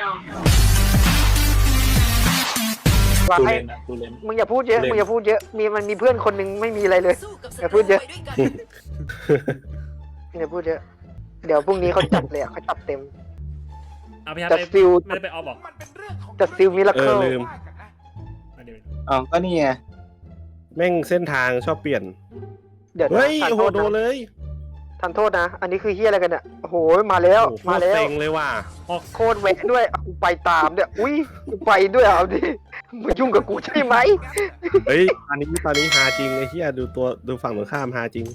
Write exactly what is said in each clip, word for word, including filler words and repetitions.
ว่าตูให้เลนอะตูเลนมึงอย่าพูดเยอะมึงอย่าพูดเยอะมีมันมีเพื่อนคนหนึ่งไม่มีอะไรเลยอย่าพูดเยอะอย่าพูดเยอะเดี๋ยวพรุ่งนี้เขาจัดเลยเขาจัดเต็มเอาพี่ฮัทจัดไปฟิลไม่ได้ไปออฟบอกจัดฟิลมิราเอเคิอลลืมเดี๋ยวอ๋อก็นี่ไงแม่งเส้นทางชอบเปลี่ยนเดี๋ยวนะเฮ้ยทานโอ้โหโทษโดนนะเลยทานโทษนะ อันนี้คือเฮียอะไรกันเนี่ยโอ้โหมาแล้วโอ้โหมาแล้เซ็วงเลยว่ะโคตรแหวกด้วยอ่ะกูไปตามเนี่ยอุ้ยกูไปด้วยเอาดิมึงยุ่งกับกูใช่ไหมเฮ้ยตอนนี้ตอนนี้ฮาจริงไอ้เหี้ยดูตัวดูฝั่งตรงข้ามฮาจริง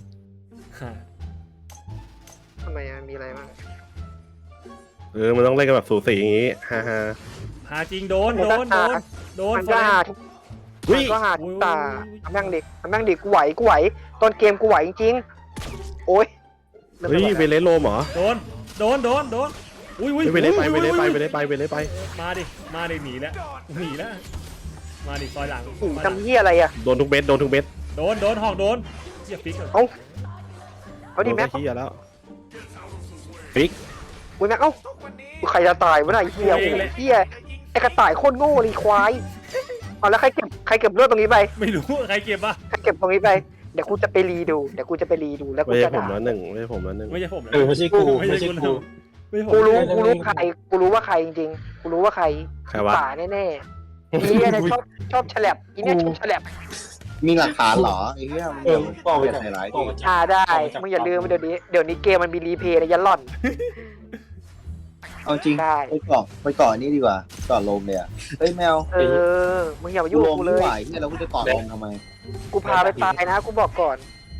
ทำไมอะมีอะไรบ้างเออมันต้องเล่นกันแบบสูสีอย่างงี้ฮ่าฮ่าหาจริงโดนโดนโดนโดนมันก็หาทุกเฮ้มัยนก็หาทุกตาทำแม่งดิทำแม่งดิกูไหวกูไหวตอนเกมกูไหวจริงๆโอ้ยเฮ้ยเวเลสโลมเหรอโดนโดนโดนโดนอุ้ยอุ้ยเฮ้ยเวเลสไปเวเลสไปเวเลสไปเวเลสไปมาดิมาดิหนีแล้วหนีแล้วมาดิซอยหลังหูทำเฮียอะไรอะโดนทุกเม็ดโดนทุกเม็ดโดนโดนหอกโดนเจี๊ยบฟิกเอ้าเอาดิโดนแม็กไอ้เหี้ยแล้วฟิกอุ้ยแม็กเอ้าใครจะตายวะน่ะไอ้เฮียโอ้โหเฮียไอ้กระต่ายโคตรโง่เลยควายเอาแล้วใครเก็บใครเก็บเลือดตรงนี้ไปไม่รู้ใครเก็บปะใครเก็บตรงนี้ไปเดี๋ยวกูจะไปรีดูเดี๋ยวกูจะไปรีดูแล้วกูไม่ใช่จะผมด่าแล้วหนึ่งไม่ใช่ผมแล้วหนึ่งไม่ใช่ผมเออไม่ใช่กูไม่ไม่ใช่ใช่กูกูไม่ใช่ผมกูรู้กูรู้ใครกูรู้ว่าใครจริงๆกูรู้ว่าใครใครวะป่าแน่ๆอีเนี่ยชอบชอบฉลับอีเนี่ยชอบฉลับมีหลักฐานเหรอไอ้เหี้ยมึงเออก็เอาไปเปลี่ยนจากในไลน์ก็ดิเอามาจากอ่าได้มึงอย่าลืมเดี๋ยวนี้เดี๋ยวนี้เกมมันมีรีเพย์นะยันหล่อนเอาจริงได้ไปเกาะไปเกาะอันนี้ดีกว่าเกาะลมเลยอ่ะเฮ้ยแมวเออมึงอย่ามากูยุ่งลกับมกูไม่เลยไหวเนี่ยเราก็จะเกาะลมทำไมกูพาไปตายนะกูบอกก่อน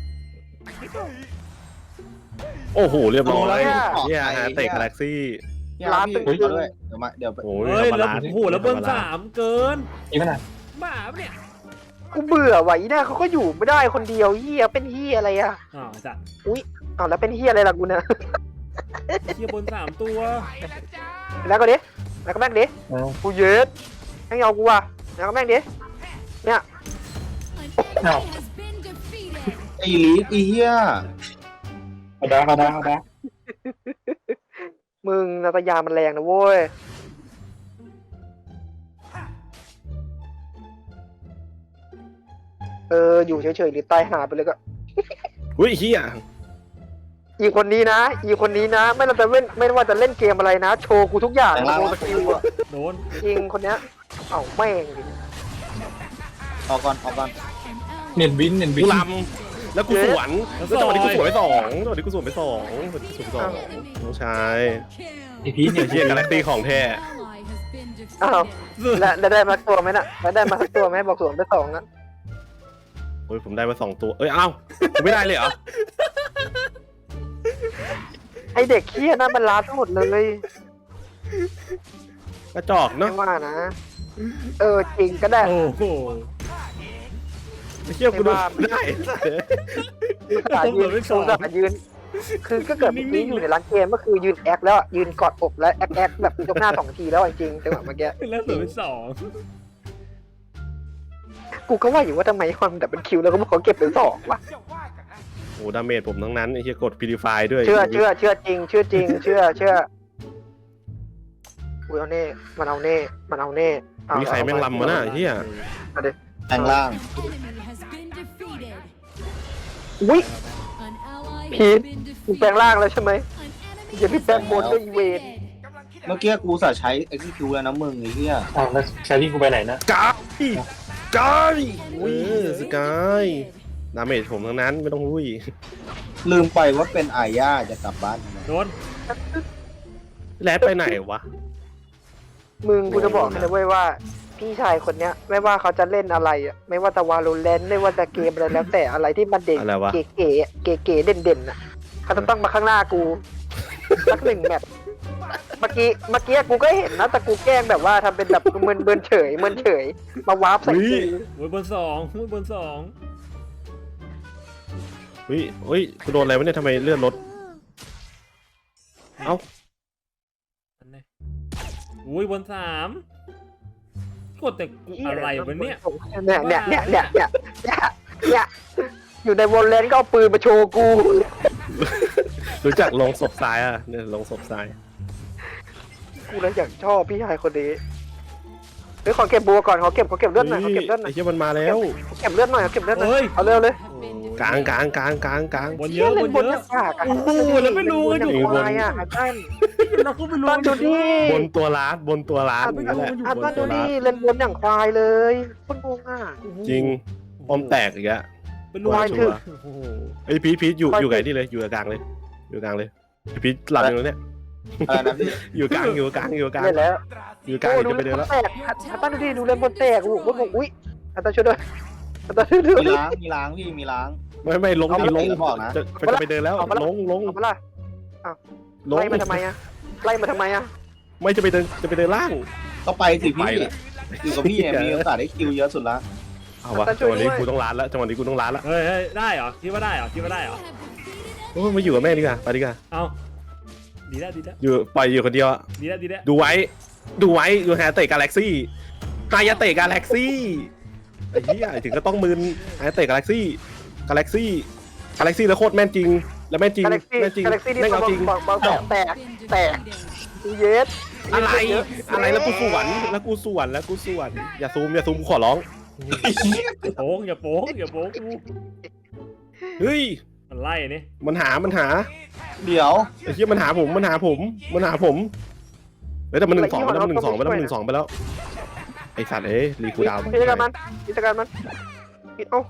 โอ้โหเรียบร้อยเอาแล้วเนี่ยฮาเตะกาแล็กซี่เนี่ยร้านพี่ตึกเด้วยเดี๋ยวมาเดี๋ยวโอ้ยเฮ้ยธรรมแล้วดาโอ้โหแล้วเบิ้ลสามเกินอีกขนาดบ้าปะเนี่ยกูเบื่อว่ะอีเนี่ยเขาก็อยู่ไม่ได้คนเดียวเฮียเป็นเฮียอะไรอ่ะอ๋อจัดอ้าวแล้วเป็นเฮียอะไรล่ะกูเนี่ยเทียบบนสามตัวแล้วก็ดิแล้วก็แม่งดิเอากูเย็ดแม่งเอากูอ่ะแล้วก็แม่งดิเนี่ยเอาไอ้ลีกไอ้เหี้ยเอาดาเอาดาเอาดามึงนาตยามันแรงนะเว้ยเอออยู่เฉยๆหรือตายหาไปเลยก็อุ้ยเฮียอีคนนี้นะ อีคนนี้นะ ไม่ว่าจะเล่นไม่ว่าจะเล่นเกมอะไรนะ โชว์กูทุกอย่างแต่งร่างโชว์ว่าสกิลอะโดนจริงคนเนี้ยเอ้าแม่งดิออกก่อนออกก่อนเน็ตบินเน็ตบิกูนลำแล้วกูสวนแล้วจังหวะนี้กูสวนไปสองจังหวะนี้กูสวนไปสองจังหวะนี้กูสวนไปสองน้องชายไอพีชไอ้เนี่ยเฮียกาแล็กซี่ของแท้อ้าวแล้วแล้วได้มาตัวไหมน่ะแล้วได้มาสักตัวไหมบอกสวนไปสองนะโอ้ยผมได้มาสองตัวเอ้ยเอ้ากูไม่ได้เลยเหรอไอเด็กเคี้ยนั่นมันล้าทั้งหมดเลยกระจอกเนาะไม่ว่านะ เออจริงก็ได้โอ้โหไอ้เชี่ยกูดูได้อุตส่าห์ยืนอุตส่าห์ยืน คือก็เกิดเมื่อกี้อยู่ในร้านเกมก็คือยืนแอคแล้วอะยืนกอดอกแล้วแอคแอคแบบยกหน้าสองทีแล้วอะจริงจังหวะเมื่อกี้แล้วเหลือเป็นสองกูก็ว่าอยู่ว่าทำไมมันแบบเป็นคิวแล้วก็บอกเขาเก็บเป็นสองวะโอ้ดาเมจผมทั้งนั้นไอ้เชี่ยกดพิลิฟายด้วยเชื่อเชื่อเชื่อจริง เชื่อจริง เชื่อเชื่ออุ้ยเอาเน่มันเอาเน่มันเอาเน่เอามีใครแม่งลำมาน่ะไอ้เฮียแปลงร่างอุ้ยพีทมึงแปลงร่างแล้วใช่ไหมอย่าพี่แปลงบนด้วยอีเวนเมื่อกี้กูสาใช้ execute แล้วนะมึงไอ้เหี้ยอ้าวแล้วแครี่กูไปไหนนะกายกายเออสกายดาเมจผมทั้งนั้นไม่ต้องหุ้ยลืมไปว่าเป็นอาญาจะกลับบ้านทำไมโดนแรดไปไหนวะมึงกูจะบอกให้นะเว้ยว่า พี่ชายคนเนี้ย ไม่ว่าเขาจะเล่นอะไรอ่ะไม่ว่าจะวาโลแรนต์ไม่ว่าจะเกมอะไรแล้วแต่อะไรที่มันเด่นอะไรวะเก๋ๆเก๋ๆเด่นๆอ่ะเขาจะต้องมาข้างหน้ากูสักหนึ่งแมตช์เมื่อกี้เมื่อกี้กูก็เห็นนะแต่กูแกล้งแบบว่าทำเป็นแบบเมินเมินเฉยเมินเฉยมาวาร์ปใส่กูโอ้ยบนสองโอ้ยบนสองเฮ้ยเฮ้ยกูโดนอะไรวะเนี่ยทำไมเลื่อนรถเอ้าอันนี้โอ้ยบนสามกดแต่กูอะไรวะเนี่ยเนี่ยเนี่ยเนี่ยเนี่ยเนี่ยเนี่ยเนี่ยอยู่ในวอลเลนก็เอาปืนมาโชว์กูรู้จักลงศพทรายอ่ะเนี่ยลงศพทรายกูเลยอยากชอบพี่ชายคนนี้เฮ้ยขอเก็บบัวก่อนขอเก็บขอเก็บเลือดหน่อยขอเก็บเลือดหน่ไอ้อยเหี้ยมันมาแล้วขอเก็บเลือดหน่อยขอเก็บเลือดหน่อยเฮ้ยเอาเร็วเลยกลางกลางกลางกลางกลางบนเยอะบนบนเยยัอะงปากอะโอ้โหแล้วไม่รู้ว่าอยู่อยู่ควายอะหาบ้านเราก็ไม่รู้บ้านดูดิบนตัวร้านบนตัวร้านหาอย่างนั้นแหละบ้านบดูนตัวดิร้านเล่นบนอย่างควายเลยคนงงอ่ะจริงออมแตกอีกแล้วเป็นรู้ควายชัถึวกร์โอ้โหไอ้พีทพีทอยู่ควายอยู่ไหนนี่เลยอยู่กลางเลยอยู่กลางเลยไอ้พีทหลับอยู่ตรงเนี้ยอะไรนะพี่อยู่กลางอยู่กลางอยู่กลางเล่นแล้วอยู่กลางโอ้อยู่ดูจะไปเล่เดินนบแล้วนแตกฮัตตันดูดิดูเล่นบนแตกโอ้โหคนงงอุ้ยฮัตตันช่วยด้วยฮัตตันช่วยด้วยมีล้างมีล้างพี่มีล้างไม่ไม่ลงเอาดิมาลงเอามาบอกนะจะจะไปเดินแล้วเอามาละลงลงเอามาละลงไล่มาทำไมอะไล่มาทำไมอะไม่จะไปเดินจะไปเดินล่างก็ไปสิไปพี่ละอยู่กับพี่เนี่ยมีโอกาสได้คิวเยอะสุดละเอาวะจังหวะนี้กูต้องล้านแล้วจังหวะนี้กูต้องล้านแล้วเฮ้ยเฮ้ยได้เหรอคิดว่าได้เหรอคิดว่าได้เหรอโอ้มาอยู่กับแม่ดีกว่าไปดีกว่าเอาดีแล้วดีแล้วอยู่ปล่อยอยู่คนเดียวอะดีแล้วดีแล้วดูไว้ ดูไว้ดูแฮเตะกาแล็กซี่ไฮยาเตะกาแล็กซี่ไอ้เหี้ยถึงก็ต้องมึนไฮยาเตะกาแล็กซี่กาแล็กซี่กาแล็กซี่แล้วโคตรแม่นจริง แล้วแม่นจริงกาแล็กซี่แม่นจริงกาแล็กซี่นี่แม่งบอเอาลจริงบอลบอลแตกแตกแตกเยสอะไรอะไรแล้วกูสวนแล้วกูสวนแล้วกูสวนอย่าซูมอย่าซูมกูขอร้องโป้งอย่าโป้งอย่าโป้งกูเฮ้ยมันไล่นี่มันหามันหาเดี๋ยวไอ้เหี้ยมันหาผมมันหาผมมันหาผมเฮ้ยแต่มันหนึ่งสองไปแล้วมันหนึ่งสองไปแล้วมันหนึ่งสองไปแล้วไอ้สัตว์เอ้ยรีคูดาวน์กิจการมันกิจการมันเอ้า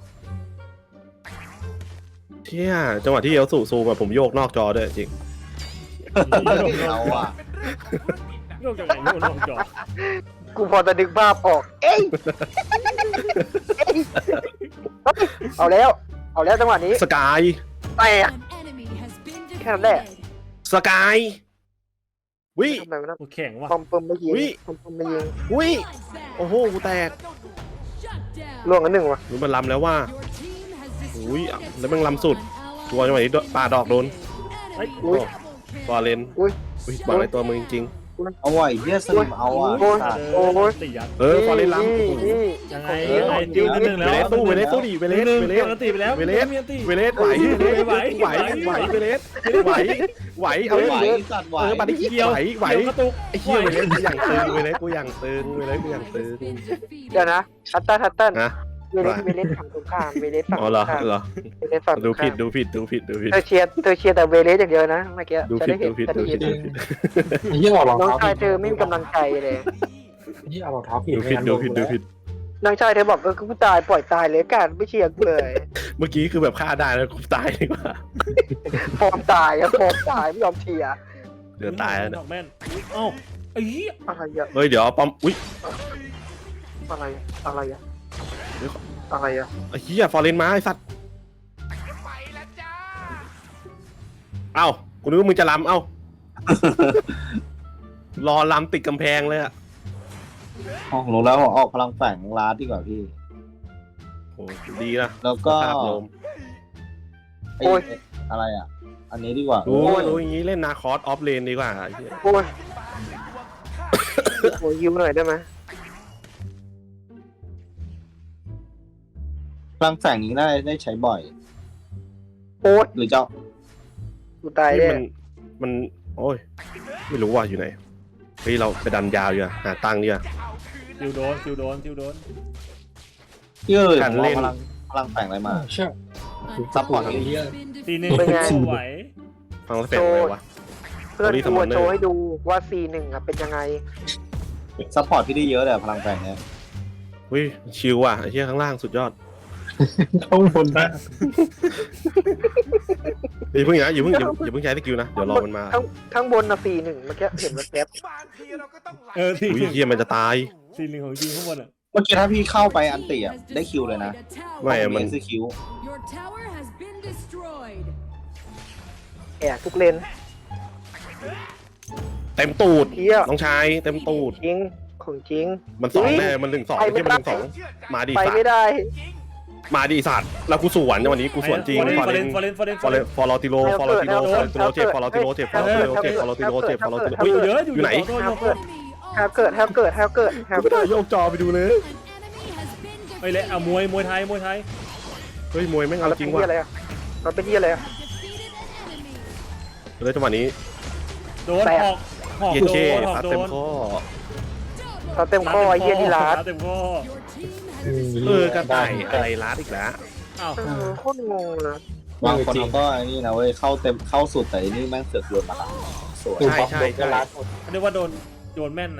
เชี่ยจังหวะที่เอลสูซูมาผมโยกนอกจอด้วยจริงเราอะโยกจากไหนโยกนอกจอกูพอจะดึงภาพออก เอ้ยเอ้ยเอาแล้ว เอาแล้วจังหวะนี้สกายแตก แค่นั้นแหละสกายวิทำไมวะนะโอ้แข็งว่ะปอมเปิมไม่ยิงอุ๊ยปอมเปิมไม่ยิงวิโอ้โหกูแตกล่วงกันหนึ่งวะรู้มันลำแล้วว่าอุ้ยแล้วมันลำสุดตัวจังหวะนี้ปาดอกโดนเฮ้ยโอ้บอลเลนอุ้ยอุ้ยบอลในตัวมึงจริงเอาไว้เฮียสลิมเอาอ่ะโอ้ยสัตว์โอ้ยตียัดๆเออฟอลเลนลำนี่โอ้โหนี่ยังไงยังไงจิ้วนิดนึงเวแล้วเลสสู้เวเลสสู้ดิเวเลนิดสนึงเวเลเวสลตีไปแล้วเวเลสมีอันตีเวเลสไหวไหวไหวไหวเวเลสไหวไหวเอาไหวดิสัตว์ไหวเออปาดิเกี่ยวไหวไหวเกี่ยวกระตุกไอ้เหี้ยเวเลสกูอย่างตึงเวเลสกูอย่างตึงเวเลสกูอย่างตึงเดี๋ยวนะฮัตตันฮัตตันนะเวเลสเวเลสฝั่งตรงข้ามเวเลสฝั่งอ๋ตอรงเหรอข้ามเหรอเวเลสฝั่งตรดูงข้าผิดมดูผิดดูผิดดูผิดเธอเชียร์เธอเชียร์แต่เวเลสอย่างเดียวนะเมื่อกี้ดูจะผิดได้เห็นดูผิดจะดูได้ผิยิดนดูผิดไอ้เหี้ยเอารองน้องเท้าชายเธอไม่มีกำลังใจเลยไอ้เหี้ยเอารองเท้าผิดดูผิดดูผิดดูผิดน้องชายเธอบอกเออกูตายปล่อยตายเลยการไม่เชียร์กูเลยเมื่อกี้คือแบบฆ่าได้แล้วกูตายดีกว่าฟอร์มตายอะฟอร์มตายไม่ยอมเชียร์เดือดตายแล้วดเนี่ยอกแม่นเอ้าไอ้เหี้ยอะไรอะเฮ้ยเดี๋ยวปอมอุ้ยอะไรอะไรอะเดี๋ยวอะไรอะไอ้เหี้ยฟอร์เรนมาไอ้สัตว์เอ้ากูนึกว่ามึงจะลำเอ้ารอลำติดกำแพงเลยอะอ๋อผมรู้แล้วผมออกพลังแฝงลาดดีกว่าพี่โอ้ดีนะแล้วก็ภาพลมไอ้อะไรอ่ะ อันนี้ดีกว่ารู้รู้อย่างนี้เล่นนาคอสออฟเลนดีกว่าไอ้เหี้ยโอ้ยโอ้ยยิ้มหน่อยได้ไหมพลังแฝงนี้ได้ได้ใช้บ่อยโอ้ยหรือเจ้ากูตายนี่แน่มันมันโอ้ยไม่รู้ว่าอยู่ไหนเฮ้ยเราไปดันยาวอยู่อะหาตังค์ดีกว่าซิวโดนซิวโดนซิวโดนพี่เอ้ยการผมเล่เอานพลังพลังแฝงอะไรมาเชื่อซัพพอร์ตไอ้เหี้ยตีหนึ่งไหวฟังแล้วแฝงอะไรวะเพื่อนโอ้ยกูอะ Summoner โชว์ให้ดูว่า ซี หนึ่งอะเป็นยังไงซัพพอร์ตพี่ได้เยอะเลยอะพลังแฝงเนี่ยเฮ้ยชิวว่ะไอ้เหี้ยข้างล่างสุดยอดข้างบนนะอย่าเพิ่งนะอย่าเพิ่งอย่าอย่าเพิ่งใช้สกิลนะเดี๋ยวรอมันมาข้างข้างบนนะ ซี หนึ่งเมื่อกี้เห็นแว๊บเออตีอุ้ยเหี้ยมันจะตายตีหนึ่งของจริงข้างบนอ่ะเมื่อกี้ถ้าพี่เข้าไปอันติอ่ะได้คิวเลยนะไม่อะมันเอคิวๆแอบทุกเลนเต็มตูดเที่ยน้องชายเต็มตูดจริงของจริงมันสองอุ๊ยแน่มันหนึ่งสองไปไม่ไม่ใช่มันหได้นึ่งสองมาดิไปสัตไม่ว์ได้มาดิสัตว์แล้วกูสวนในวันนี้กูสวนจริงฟอฟอร์ร์เรเรนนฟอร์เรนฟอร์เรนฟอร์เรนฟอร์ลติโลฟอร์ลติโลฟอร์ลติโลเจ็บฟอร์ลติโลเจ็บฟอร์ลติโลเจ็บฟอร์ลติโลเจ็บฟอร์ลติโลอยู่อุ้ยเยอะอยู่อยู่ไหนโยโยโยแฮวเกิดแฮวเกิดแฮวเกิดแฮวไม่เกิได้ดโยกจอไปดูเลยไอ้เละเอามวยมวยไทยมวยไทยเฮ้ยมวยแม่งเอาเราจริเป็นงว่ะที่อะไรอะเราเป็นที่อะไรอะเลยจังหวะนี้โดนแตกออกหอกเย็นโดเช่นหอกซัดโดเต็มนข้อเขาเต็มข้อไอ้เหี้ยนี่ร้านเต็มข้อเออกระต่ายอะไรรัดอีกแล้วอ้าวเออโคตรงงเลยบางคนเขาก็ไอ้นี่นะเว้ยเข้าเต็มเข้าสุดแต่อันนี่แม่งเสือกโยนมาหลังสวยใช่ใช่ใช่เรียกว่าโดนโยนแม่นนะ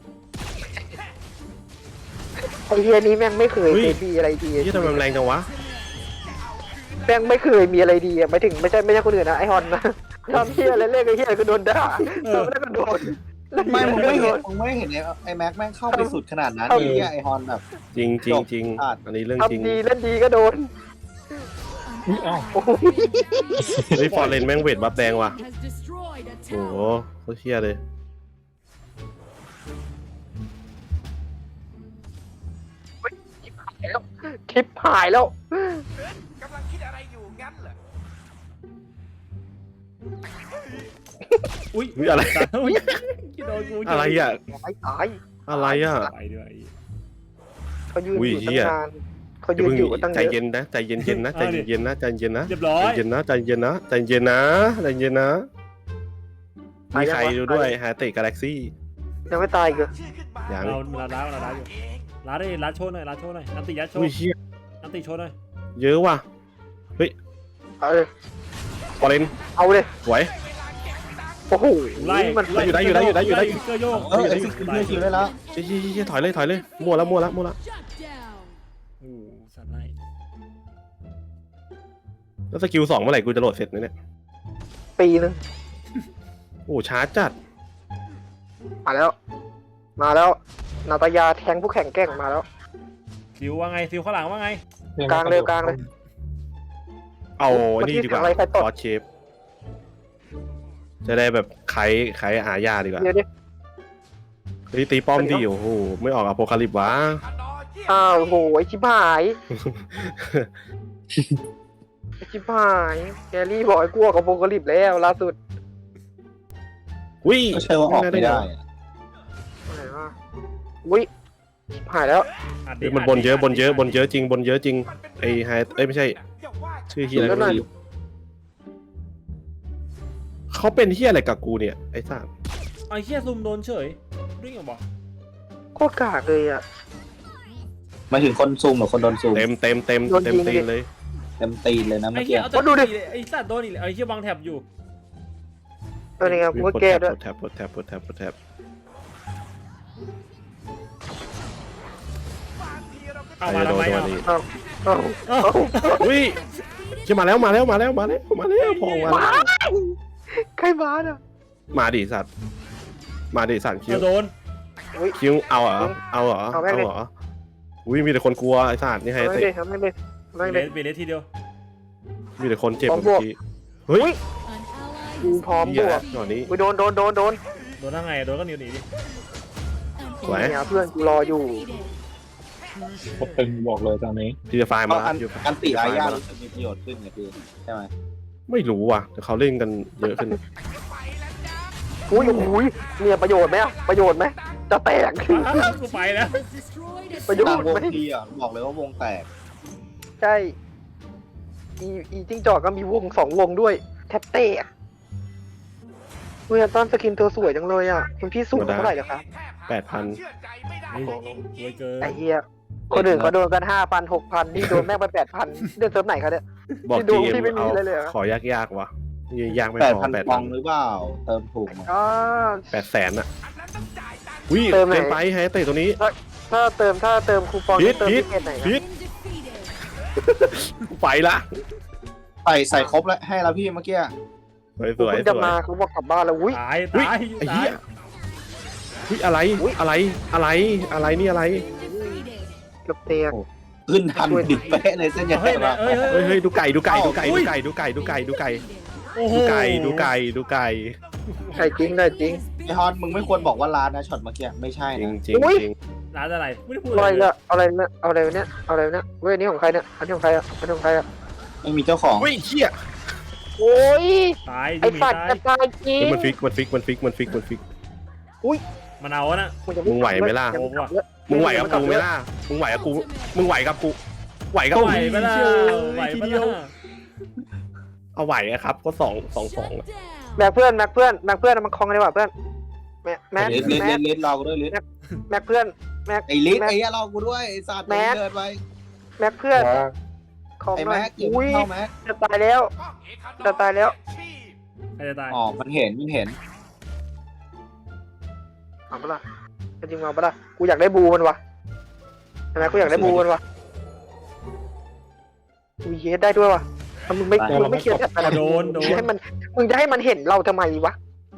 ไอ้เหี้ยนี้แม่งไม่เคยเจดีอะไรดีที่ทำไมมันแรงจังวะแม่งไม่เคยมีอะไรดีอะไม่ถึงไม่ใช่ไม่ใช่คนอื่นนะไอฮอนนะทำเหี้ยอะไรเล่นไอ้เหี้ยก็โดนด่าทำแล้วก็โดนไม่มึงไม่เห็นมึงไม่เห็นไอ้ไอ้แม็กแม่งเข้าไปสุดขนาดนั้นไอ้เหี้ยไอ้ฮอนแบบจริงจริงจริงอันนี้เรื่องจริงทำดีเล่นดีก็โดนอุ้ยเอ้าโอ้ยเฮ้ยฟอร์เรนแม่งเวทบัฟแดงว่ะ has destroyed a โอ้โห tower. โคตรเชี่ยเลยคลิปหายแล้วกำลังคิดอะไรอยู่งั้นเหรออุ้ยอุ๊ยอะไรอุ้ยคิดโดนกูอะไรอ่ะตายตายอะไรอ่ะไปด้วยเขายืนอุ้อย ยู่ตั้เหี้งยนานเขายือย่าน เพิ่งอยู่ตั้งใจเยอะเย็นนะใจเย็นเย็นๆนะใจเย็นๆนะใจเย็นๆนะเรียบร้อใจยเย็นนะใจเย็นนะใจเย็นนะใจเย็นนะมีใครดูด้วยฮาเตะกาแล็กซี่ยังไม่ตายอีกเหรอชื่อขึ้นมายังเราเราล้าเราล้าอยู่ล้าได้ล้าโชว์หน่อยล้าโชว์หน่อยอันติยัดโชว์อุ้ยเชี่ยอันติโชว์หน่อยเยอะว่ะเอาเลยฟอร์เรนเอาเลยสวยโอ้โหไล่มันไล่อยู่ได้อยู่ได้อยู่ได้อยู่ได้ฟิกเกอร์โยกเออไอ้ฟิกเกอร์คิวได้แล้วเชี่ยเชี่ยเชี่ยถอยเลยถอยเลยมั่วแล้วมั่วแล้วมั่วแล้ว Shut down. โอ้สัตว์ไล่แล้วสกิลสองเมื่อไหร่กูจะโหลดเสร็จเนี่ยปีนึงโอ้ช้าจัดมาแล้ว มาแล้วนาตายาแทงผู้แข่งแกร่งมาแล้วซิวว่าไงซิวข้างหลังว่าไงกลางเลยกลางเลยเอานี่ดีกว่าเมื่อกี้ทำอะไรใครตดคอสเชฟจะได้แบบไขไขอาญาดีกว่าเดี๋ยวดิเฮ้ยตีป้อมดีโอ้โหไม่ออกอะโพคาลิปวะอนอเยี่ยมอ้าวโหไอชิบหายไอชิบหายแกรี่บอกไอ้กลัวกับโปรกลิปแล้วล่าสุดอุ้ยก็ใช่ว่าออกไม่ได้อะอะไรวะอุ้ยชิบหายแล้วอัดดิเฮ้ยมันบนเยอะบนเยอะบนเยอะจริงบนเยอะจริงมันเป็นไอ้ไฮเอ้ยไม่ใช่อย่าว่าชื่อเฮียอะไรแล้วหน่ก็อยไม่รู้เขาเป็นเฮียอะไรกับกูเนี่ยไอ้สัสไอ้เหี้ยซุ่มโดนเฉยริ่งเหรอบอกโคตรกากเลยอ่ะหมายถึงคนซูมหรือคนโดนซูมเต็มเต็มเต็มโดนยิเต็งมตีนเลยเต็มตีนเลยนะไอ้เมื่อเหี้กี้ยเอาแต่โอ้ดูดิไอ้สัตว์โดนอีกแล้วไอ้เหี้ยวางแถบอยู่เออนี่ไงกูก็แก้ด้วยกดแท็บกดแท็บกดแท็บกดแท็บเอามาทำไมอ่ะเอาเอาเอ้าอุ้ยจะมาแล้วมาแล้วมาแล้วมาแล้วมาแล้วพองมาแล้วใครมาอ่ะมาดิสัตว์มาดิสัตว์คิวเอาโดนคิวเอาเหรอเอาเหรอเอาแม่งเอาเลยเหรออุ้ยมีแต่คนกลัวไอ้สัตว์นี่ไฮเอาไม่เตะเลยเอาไม่เลยเอาไม่เบเลยสเบสทีเดียวมีแต่คนเจ็บพร้อมเมื่บวอก กี้เฮ้ย An ally กู has พร้อมเหี้บยวกตอนนี้กูโดนโดนโดนโดนโดนทั้งไงโดนก็หนีหนีดิสวยเนี่ยเพื่อนกูรออยู่ผมตึงบอกเลยตอนนี้พีเดฟายเพมาราะอันพีเดฟายอันติอาญารู้สึกมีประโยชน์ขึ้นไงพี่ใช่ไหมไม่รู้ว่ะแต่เขาเล่นกันเยอะขึ้นอุ้ยอุ้ยเนี่ยประโยชน์ไหมอะประโยชน์ไหมจะแตกกูไปแล้ว has destroyed a ประโยชต่างน์วงไหมทีอ่ะบอกเลยว่าวงแตกใช่อีอีจิ้งจอกก็มีวงสองวงด้วย แทบเตะเวยต้นสกินตัวสวยจังเลยอ่ะคุณพี่สูงเท่าไหร่เหรอครับแปดพันเชื่อใจไม่ได้เฮ้ยรวยเกินไอ้เหี้ยคนอื่นเขาโดนกันห้าพันหกพันนี่โดนแม่งไปแปดพันเดือนเซิร์ฟไหนครับเนี่ยบอกที่ดูจีเอ็มที่ไม่มีเอาเลยเลยเหรอขอยากยากๆว่ะนี่ยากไม่แปดพอพันแปดฟพัอน งหรือเปล่า เติมถูกไหมอ๋อแปดแสนอ่ะอันนั้นต้องจ่ายตังค์อุ้ยเติมไหนเกินไปไฮเตะตัวนี้ถ้าเติมถ้าเติมคูปองพีจะทเติมพีทที่เกตไหนนะพีท defeated. ไปละใส่ใส่ครบแล้วให้แล้วพี่เมื่อกี้สวยสกูวยเพิ่งสจะวยมากูบอกกลับบ้านแล้วอุ้ยตายอุ้ยตายไอ้ตาเหี้ยยอุ้ยอะไรอุ๊ยอะไรอะไรอะไรนี่อะไร Defeated. เกือบเตียงขึ้นทันดิบเป๊ะเลยเส้นใหญ่เฮ้ยมาเฮ้ยเฮ้ยเฮ้ยเฮ้ยดูไก่ดูไก่ดูไก่อุ้ดูยไก่ดูไก่ดูไก่ดูไก่โอ้โหดูไก่ดูไก่ดูไก่ใช่จริงได้จริงไอฮอนมึงไม่ควรบอกว่าร้านนะช็อตเมื่อกี้ไม่ใช่จริงนะจริงอุ๊ยจริงร้านอะไรไม่ได้พูดอะไรเลยเนี่ยเอาอะไรเนี่ยเอาอะไรเนี่ยเอาอะไรเนี่ยเว้ยอันนี้ของใครเนี่ยอันนี้ของใครอ่ะอันนี้ของใครอ่ะไม่มีเจ้าของอุ้ยเหี้ยโอ้ยตายไอ้ยูมีสัตว์ตายจะตายจริงเฮ้ยมันฟิกมันฟิกมันฟิกมันฟิกมันฟิกมันเอาอะนะงจะมึงไหวไหมล่ะยังกบเยอะมึงไหวกับกูไหมล่ะมึงไหวกับกูมึงไหวกับกูไหวกับก็กูไหวไปละเชี่ยไหวทีไปเดียวละเอาไหวอะครับก็สองสองสอง Shut down. แบกเพื่อนแบกเพื่อนแบกเพื่อนเอามาคลองกันดีกว่าเพื่อนม็กแม็กเลสเลสแม็กเลสรอกูด้วยเลสแม็กเพื่อนแม็กไอ้ลิสแม็กไอ้เหี้ยรอกูด้วยไอ้สัตว์แม็กเดินไปแม็กเพื่อนว่าของไอ้หน่อยแม็กอย่าอุ้ยเข้าแม็กจะตายแล้ว จะตายแล้วใครจะตายอ๋อมันเห็นมันเห็นเอาปะล่ะจะจริงเอาปะล่ะกูอยากได้บูมันวะใช่ไหมกูอยากได้บูมันวะอุ้ยเยสได้ด้วยวะถ้ามึงไม่มึงไม่เคลียร์แท็บอะไรโดนโดมึงจะนให้มันมึงจะให้มันเห็นเราทำไมวะ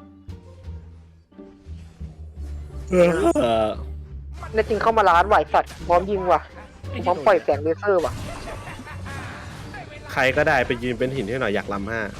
เออแน่จริงเข้ามาร้านไหวสัตว์พร้อมยิงว่ะพร้อมปล่อยแสงเลเซอร์ว่ะใครก็ได้ไปยืนเป็นหินให้หน่อยอยากลำห้า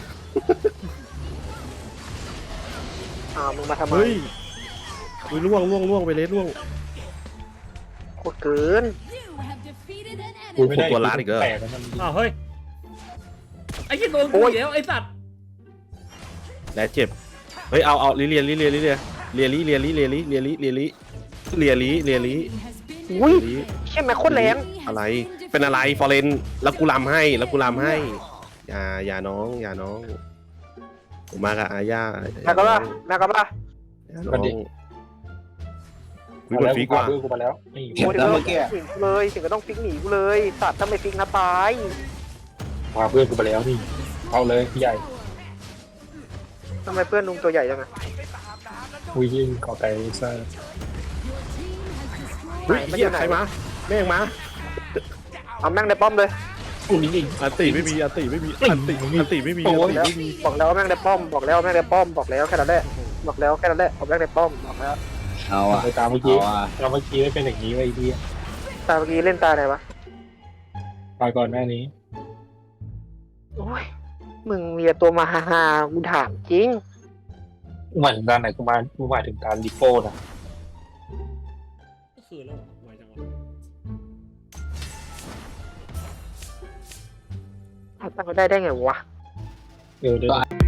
อ่ามึงมาทำไมเฮ้ยอุ้ยล่วงล่วงล่วงไปเลยล่วงโคตรเกิน You have defeated an กู enemy. ไม่ได้ตัวร้านอีกเหรอแปลกแล้วมันอ้าวเฮ้ยไอ้ยี่โดนกูอีกแล้วไอ้สัตว์และเจ็บเฮ้ยเอาเอาลิเลียลิเลียลิเลียเลียลิเลียลิเลียลิเลียลิเลียลิเลียลิเลียลิ Has been อุ้ยลิใช่ไหมโคตรแรงอะไรเป็นอะไรฟอเรนแล้วกูลำให้แล้วกูลำให้อย่าอย่าน้องอย่าน้องผมมากับอาญาแม็กก็ป่ะแม็กก็ป่ะอย่าน้องวิมาบันแล้วฟิกูกพาว่ะเพื่อนกูมาแล้วนี่เห็นโอ้ยแล้วเออเมื่อกี้ฟิกเลยถึงก็ต้องฟิกหนีกูเลยสัตว์ถ้าไม่ฟิกนะตายพาเพื่อนกูมาแล้วนี่เอาเลยพี่ใหญ่ทำไมเพื่อนลุงตัวใหญ่จังอะอุ้ยยิงเกาะไก่ซ่าเฮ้ยเหี้ยใครมาแม่งมาเอาแม่งในป้อมเลยอุ้ยยิงอันติไม่มีอันติไม่มีอันติอันติไม่มีอันติแล้วไม่มีบอกแล้วว่าแม่งในป้อมบอกแล้วว่าแม่งในป้อมบอกแล้วแค่นั้นแหละบอกแล้วแค่นั้นแหละเอาแม่งในป้อมบอกแล้วเอาอ่ะไปตามเมื่อกี้เอาอ่ะตามเมื่อกี้ไม่เป็นอย่างนี้ไว้ดีตาเมื่อกี้เล่นตาไหนวะตายก่อนหน้านี้โอ้ยมึงมีแต่ตัวมาฮาฮาๆกูถามจริงเหมือนการไหนกูมากูหมายถึงการดิโก้นะก็คือแล้วไวจังวะตั้งเขาได้ได้ไงวะเออเดี๋ยว